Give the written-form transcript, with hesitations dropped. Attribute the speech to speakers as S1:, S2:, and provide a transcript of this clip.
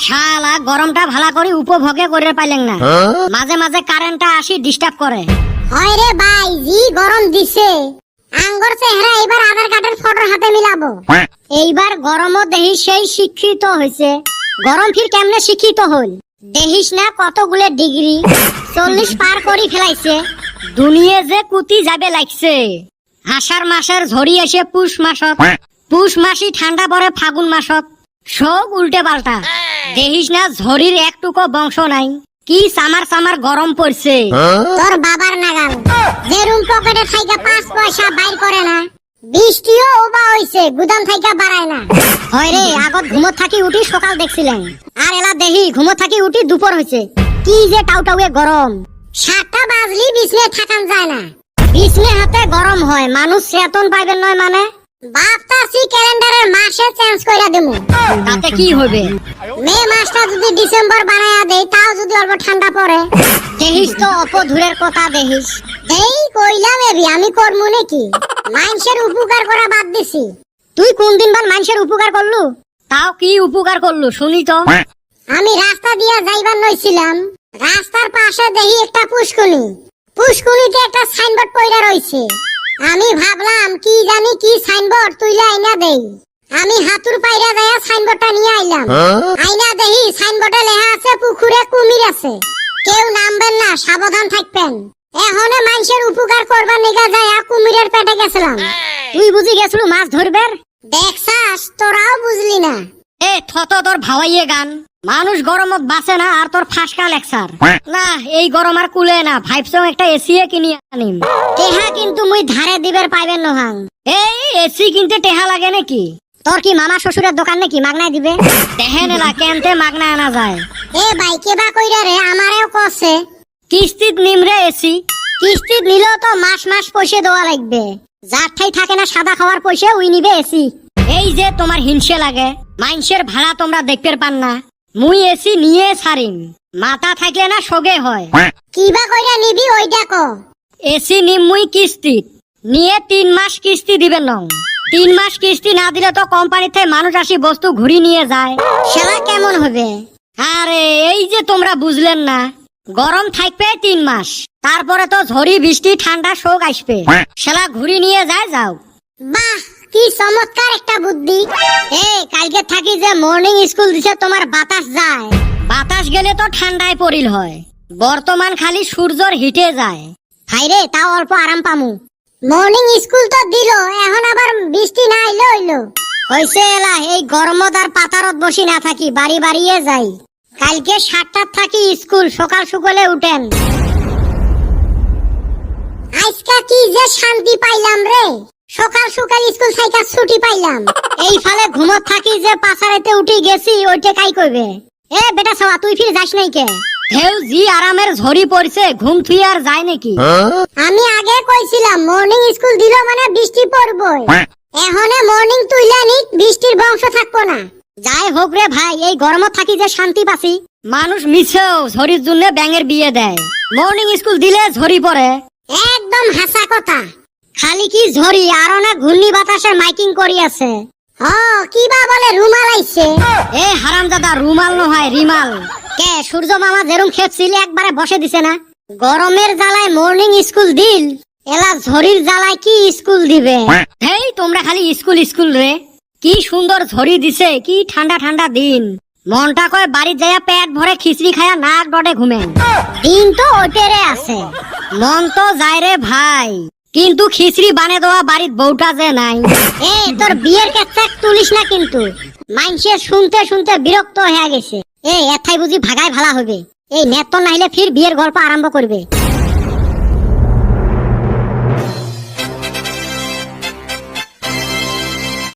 S1: শালা গরমটা ভালো করে উপভোগে করে পাইলেন না। মাঝে মাঝে কারেন্টটা আসি ডিস্টার্ব করে।
S2: হয় রে ভাই, জি গরম দিছে। আঙ্গর চেহারা এবার আধার কার্ডের ফটো হাতে মিলাবো।
S1: এইবার গরমও দেহিস সেই শিক্ষিত হয়েছে। গরম ফির কেমনে শিক্ষিত হল দেহিস না, কতগুলো ডিগ্রি 40 পার করি ফেলাইছে। দুনিয়া যে কুতি যাবে লাগছে। আষাঢ় মাসের ঝড়ি এসে পুষ মাসত, পুষ মাসি ঠান্ডা পড়ে ফাগুন মাসত। সব উল্টে পাল্টা। দেহিস না ঝড়ির একটুকো বংশ নাই। কি সামার সামার গরম পড়ছে।
S2: তোর বাবার নাগাল যে রুম পকেটে থাইকা 5 পয়সা বাইর করে না, বৃষ্টিও ওবা হইছে, গুদাম থাইকা বাড়ায় না।
S1: হয় রে, আগত ঘুমত থাকি উঠি সকাল দেখছিলেন, আর এলা দেহি ঘুমত থাকি উঠি দুপুর হয়েছে। কি যে টাউটাউয়ে গরম।
S2: 7টা বাজলি বিছনে থাকান যায় না।
S1: বিছনে হাতে গরম হয়, মানুষ চেতন পাইবেন নয় মানে।
S2: ভাবতাছি ক্যালেন্ডারের মাসে চেঞ্জ কইরা দেবো।
S1: তাতে কি হবে?
S2: মে মাসটা যদি ডিসেম্বর বানায়া দেই, তাও যদি অল্প ঠান্ডা পড়ে।
S1: দেহিস তো অপধুরের কথা দেহিস।
S2: এই কইলাম এবি, আমি করমু নাকি? মানুষের উপকার করা বাদ দিছি।
S1: তুই কোন দিন বার মানুষের উপকার করলু? তাও কি উপকার করলু শুনি তো।
S2: আমি রাস্তা দিয়া যাইবার নইছিলাম, রাস্তার পাশে দেখি একটা পুষ্কুনি। পুষ্কুনিতে একটা সাইনবোর্ড পইরা রইছে। আমি ভাবলাম কি জানি কি সাইনবোর্ড, তুইলা আইনা দেই। আমি হাতুর পাইরা যায়া সাইনবোর্ডটা নিয়ে আইলাম। আইনা দেখি সাইনবোর্ডে লেখা আছে পুকুরে কুমির আছে, কেউ নামবেন না, সাবধান থাকবেন। এখনে মানুষের উপকার করবার নিগা যায়া কুমিরের পেটে গেছিলাম।
S1: তুই বুঝি গেছলু মাছ ধরবের?
S2: দেখছাস, তোরাও বুঝলি না।
S1: এ থত তোর ভাওয়াইয়ে গান। মানুষ গরমত বাঁচে না, আর তোর ফাঁসকা লেকচার। না, এই গরম আর কুলে না। ভাইবসং একটা এসি কিনি আনিম। টেহা কিন্তু মুই ধারে দিবের পাইবেন নহাং। এই এসি কিনতে টেহা লাগে নাকি? তোর কি মামা শ্বশুরের দোকান নাকি মাগনায় দিবে? টেহে নেলা কেনতে মাগনা আনা যায়।
S2: এ ভাই কেবা কইরা রে, আমারেও কছে
S1: কিস্তিত নিমরে এসি। কিস্তিত নিলেও তো মাস মাস পয়সা দেওয়া লাগবে। যার ঠাই থাকে না সাদা খাওয়ার পয়সা, উই নিবে এসি। এই যে তোমার হিংসে লাগে, মানুষের ভাড়া তোমরা দেখতে পান না। মুই এসি নিয়ে ছাড়িম, মাথা থাকলে না সগে হয়।
S2: কিবা কইরা নিবি ওইটা ক।
S1: এসি নিম মুই কিস্তিত নিয়ে 3 মাস কিস্তি দিবেন নং। 3 মাস কিস্তি না দিলে তো কোম্পানিতে মানুষ আসি বস্তু ঘুরি নিয়ে যায়। সেটা কেমন হবে? আরে এই যে তোমরা বুঝলেন না, গরম থাকবে 3 মাস, তারপরে তো ঝড়ি বৃষ্টি ঠান্ডা শোক আসবে, সেটা ঘুরি নিয়ে যায়। যাও।
S2: বাহ, কি চমৎকার একটা বুদ্ধি।
S1: কালকে থাকি যে মর্নিং স্কুল দিছে, তোমার বাতাস যায়। বাতাস গেলে তো ঠান্ডায় পড়িল হয়। বর্তমান খালি সূর্যর হিটে যায়। হাইরে, তাও অল্প আরাম পামু।
S2: মর্নিং স্কুল তো দিল, এখন আবার বৃষ্টি না আইলো হইলো।
S1: হইছে এলা, এই গরমত আর পাতারত বসি না থাকি, বাড়ি বাড়িয়ে যাই। কালকে 7টার থাকি স্কুল, সকাল সকালে উঠেন।
S2: আজকা কি যে শান্তি পাইলাম রে, সকাল সকাল স্কুল থাইকা ছুটি পাইলাম।
S1: এই ফালে ঘুমত থাকি যে পাছারেতে উঠি গেছি, ওইটা কাই কইবে? এ বেটা সওয়া, তুই ফির যাস নাই কে? হেউ জি আরামের ঝড়ি পড়ছে, ঘুম থুই আর যায় নাকি?
S2: আমি আগে কইছিলাম মর্নিং স্কুল দিল মানে বৃষ্টি পড়বই। এখনে মর্নিং তুইলা নি, বৃষ্টির বংশ থাকবো না।
S1: যাই হোক রে ভাই, এই গরমত থাকি যে শান্তি পাছি। মানুষ মিছেও ঝড়ির জন্য ব্যাঙের বিয়ে দেয়। মর্নিং স্কুল দিলে ঝড়ি পড়ে।
S2: একদম হাসা কথা।
S1: খালি কি ঝড়ি, আরো না ঘূর্ণি বাতাসে মাইকিং করি আছে।
S2: কিবা বলে রুমাল আইছে।
S1: এ হারামজাদা, রুমাল নহয় রিমাল। কে সূর্য মামা যেরম খেপছিল একবারে বসে দিছে না। গরমের জ্বালায় মর্নিং স্কুল দিল, এলা ঝড়ির জ্বালায় কি স্কুল দিবে? হেই তোমরা খালি স্কুল স্কুল রে। কি সুন্দর ঝড়ি দিছে, কি ঠান্ডা ঠান্ডা দিন। মনটা কয় বাড়ি যাইয়া পেট ভরে খিচড়ি খায়া নাক ডটে ঘুমেন। দিন তো ওটেরে আছে, মন তো যায় রে ভাই, কিন্তু খিচড়ি বানে দেওয়া বাড়ির বউটা যে নাই। তোর বিয়ের কেচ্ছা তুলিস না কিন্তু, মানুষের শুনতে শুনতে বিরক্ত হয়ে গেছে। এথাই বুঝি ভাগায় ভালা হবে। এই নেত নাইলে ফির বিয়ের গল্প আরম্ভ করবে।